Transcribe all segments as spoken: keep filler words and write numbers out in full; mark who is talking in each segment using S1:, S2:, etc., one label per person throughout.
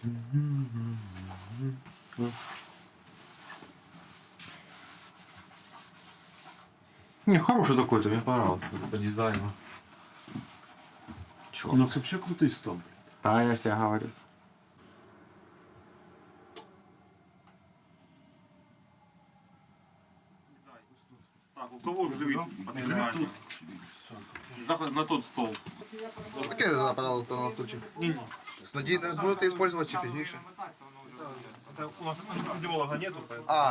S1: Не, хороший такой-то, мне понравился по дизайну.
S2: У нас вообще крутый стол.
S1: Да, я тебе говорю. Так, у кого живит подвижание? Заход на тот стол.
S3: Таке направило то на тучі. Снодій не будете використовувати чи пізніше?
S1: У нас идеолога нету, поэтому...
S3: А,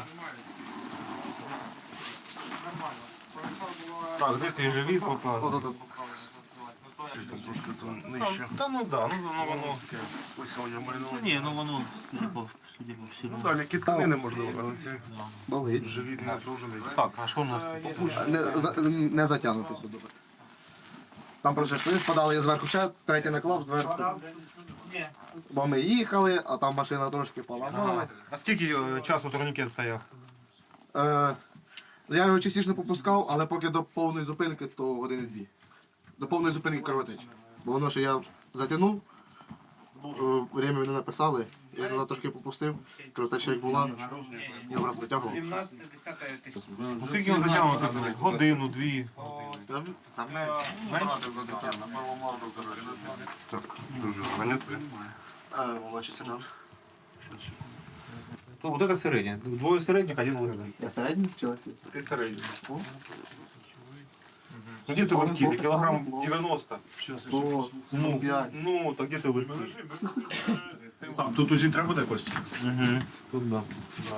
S1: Так, где ты живи пока?
S3: от тут.
S2: Трошки там нижче.
S1: Да ну да, ну, ну воно...
S2: Ось я маринував.
S1: Не, ну воно, судя по, судя по всему.
S2: Ну да, м'які тканини можливо, але ці
S3: Болить.
S2: живіт напружений.
S1: Так, а що у нас тут?
S3: Не, за- не затягнути сюди. Там просто подали я зверху ще, третій наклав зверху. Бо ми їхали, а там машина трошки поламала.
S1: А скільки е, часу турнікет стояв?
S3: Е, я його частіше не попускав, але поки до повної зупинки, то години дві. До повної зупинки кровотечі. Бо воно, що я затягнув, е, время мені написали, я туди трошки попустив, кровотеча як була, я обратно витягував.
S1: Ну скільки він затягнув? Годину, дві.
S3: Там менше.
S2: Так, дуже зайнятий.
S3: Молодший сержант.
S1: Ну, вот это середнє. Двоє середніх, один великий.
S3: Я середній чоловік.
S1: Ти середній. Ну где ты в Арктике? Килограмм девяносто.
S3: По
S1: Ну,
S3: п'ять.
S1: ну, так где ты в Арктике?
S2: Там, тут усі треба буде кості.
S1: Угу. Тут да.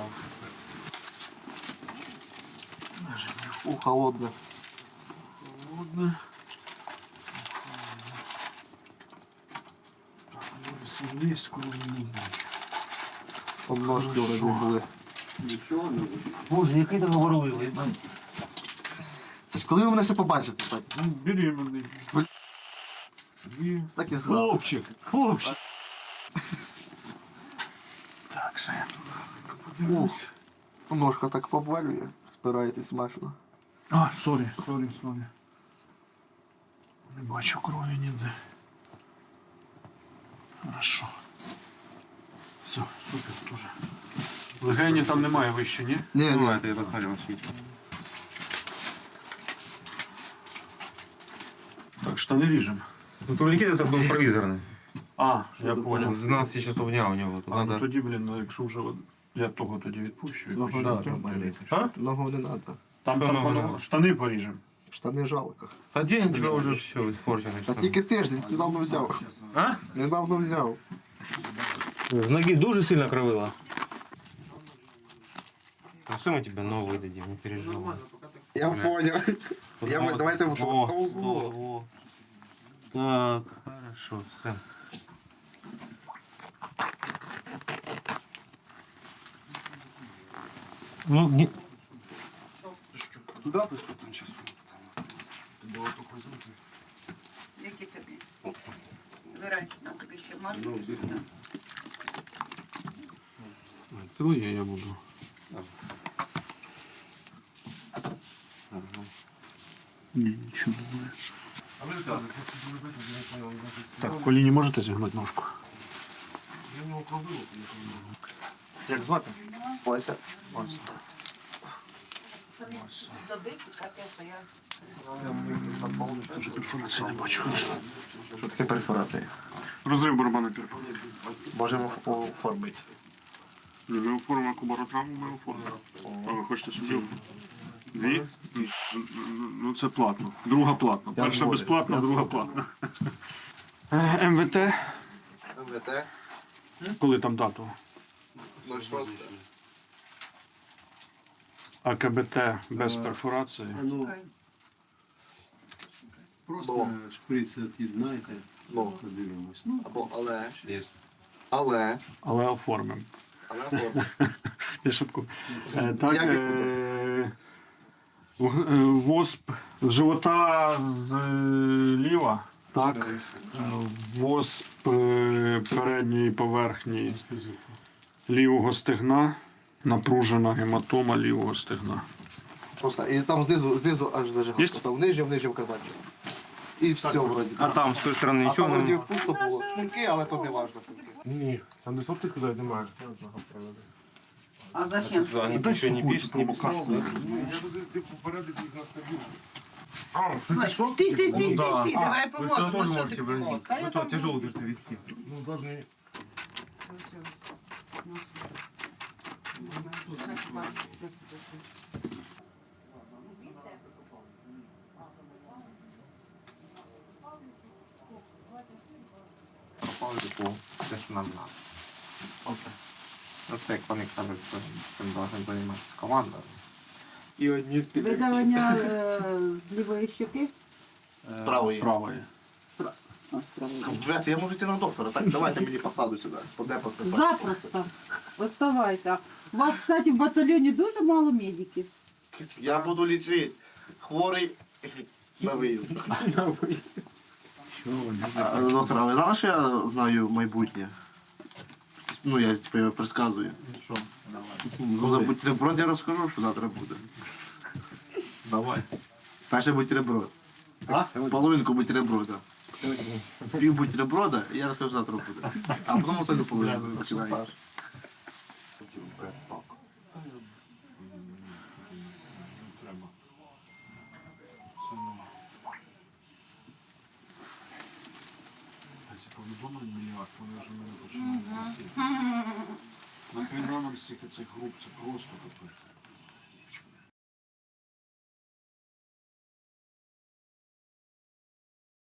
S3: У, холодне. Обножки вроді були.
S1: Боже, який ти говорливий.
S3: Це ж коли ви мене ще побачите, так?
S2: Беременний.
S3: Так і знав.
S2: Хлопчик, хлопчик. Так, ще.
S3: Ух, ножка так побалює, спираєтесь смачно.
S2: А, сорі, сорі, сорі. Не бачу крові ніде. Хорошо. Все, супер теж. Легені там немає вище, ні?
S3: Ні, ні.
S1: Давайте я посмотрю.
S2: Так, штани ріжемо.
S1: Ну, турникет это был провизорный.
S2: А, я понял.
S1: С двенадцати часов дня у него. Тут
S2: А, ну
S1: надо...
S2: тоді, блін, ну якщо вже от я того тоді відпущу.
S3: Ногу
S2: відпущу.
S3: не треба.
S1: А?
S3: Ногу не треба.
S2: Там,
S1: Що
S2: там
S1: ногу
S2: воно-
S1: не треба?
S2: штани поріжемо.
S3: Штани жалко.
S1: А день у тебя уже все испорчено.
S3: Та тільки тиждень, недавно взяв.
S1: А?
S3: Недавно взяв.
S1: С ноги дуже сильно кровила. Ну, все мы тебе новые дадим, не переживай.
S3: Я понял. Я,
S1: Вот,
S3: давайте в
S1: во,
S3: Ого.
S1: во. Так, хорошо, все. Ну, не...
S2: Туди приступимо часу. Було тут визнати.
S4: Які тобі? Вибирай, на тобі ще можна?
S2: Твоє я буду. Ні, нічого немає. Так, в коліні можете зігнути ножку? Як звати?
S3: Вася.
S4: Доби, чекати, що я...
S2: Дуже перфорації не бачу.
S3: Що таке перфорація?
S2: Розрив барабана перфор.
S3: Можемо оформити.
S2: Ми оформимо кубаротравму, ми оформимо. А ви хочете собі? Дві? Ну це платно. Друга платно.
S3: Я
S2: Перша
S3: згоден.
S2: безплатна,
S3: Я
S2: друга
S3: згоден.
S2: платна. Ем Ве Те.
S3: МВТ.
S2: Коли там дату?
S3: ноль шість.
S2: А Ке Бе Те без перфорації.
S5: Просто шприц від'єднайте,
S3: Ну.
S5: подивимось. Ну,
S3: Або але. Але.
S2: Але оформимо.
S3: Але оформимо.
S2: Я шутку. Е, Так,
S3: Як їх
S2: е, в- е, восп з живота зліва. Так. Е, Восп е, передньої поверхні лівого стегна. Напружена гематома лівого стегна.
S3: Просто і там знизу, знизу аж зажигав.
S2: Єсть?
S3: Там нижнім, нижнім карманчиком. І все вроді.
S1: А там с той стороны
S3: А
S1: ничего
S3: там вроді
S1: не...
S3: пусто було. Шнурки, але то не важливо.
S2: Ні, там де сотки сказати немає.
S4: А зачем?
S1: Туда они
S2: Дай
S1: ничего не
S2: сухую
S1: пишут,
S2: цю
S1: не
S2: пробокашку.
S1: писал.
S2: Я тут ти попередив їх на стабільно. А,
S4: Ой, Стій, стій, стій, стій, стій,
S1: да.
S4: давай
S1: Вы что тоже
S4: поможемо. Що
S1: можете
S4: ти
S1: возить?
S4: поможеш? Та я
S1: Вы то
S4: там-
S1: тяжело держите вести.
S2: ну, должны...
S6: Пропали по те, що нам надо. Окей. Ну це як вони кажуть, що цим должен займатися команда.
S3: І одні з
S4: Видалення е, з лівої щоки?
S3: з правої.
S5: Правое.
S4: А, з правої.
S3: Блядь, я можу йти на доктора, так? Давайте мені посаду сюди. Поде підписати.
S4: Запросто. Оставайся. У вас, кстати, в батальйоні дуже мало медиків.
S3: Я буду лічити. Хворий на виїзд. А, Доктор, а ви знали, що я знаю майбутнє? Ну, я типу, я предсказую.
S1: Что?
S3: Ну, за бутерброд я розкажу, що завтра буде.
S1: Давай.
S3: Перше бутерброд.
S1: А?
S3: Половинку бутерброда. Пів бутерброда, і я розкажу, що завтра буде. А потім остальну половину починаю.
S2: Ці повідомлень мільярд, вони вже мене починають висіти. Нахрена нам стільки цих груп, це просто капець.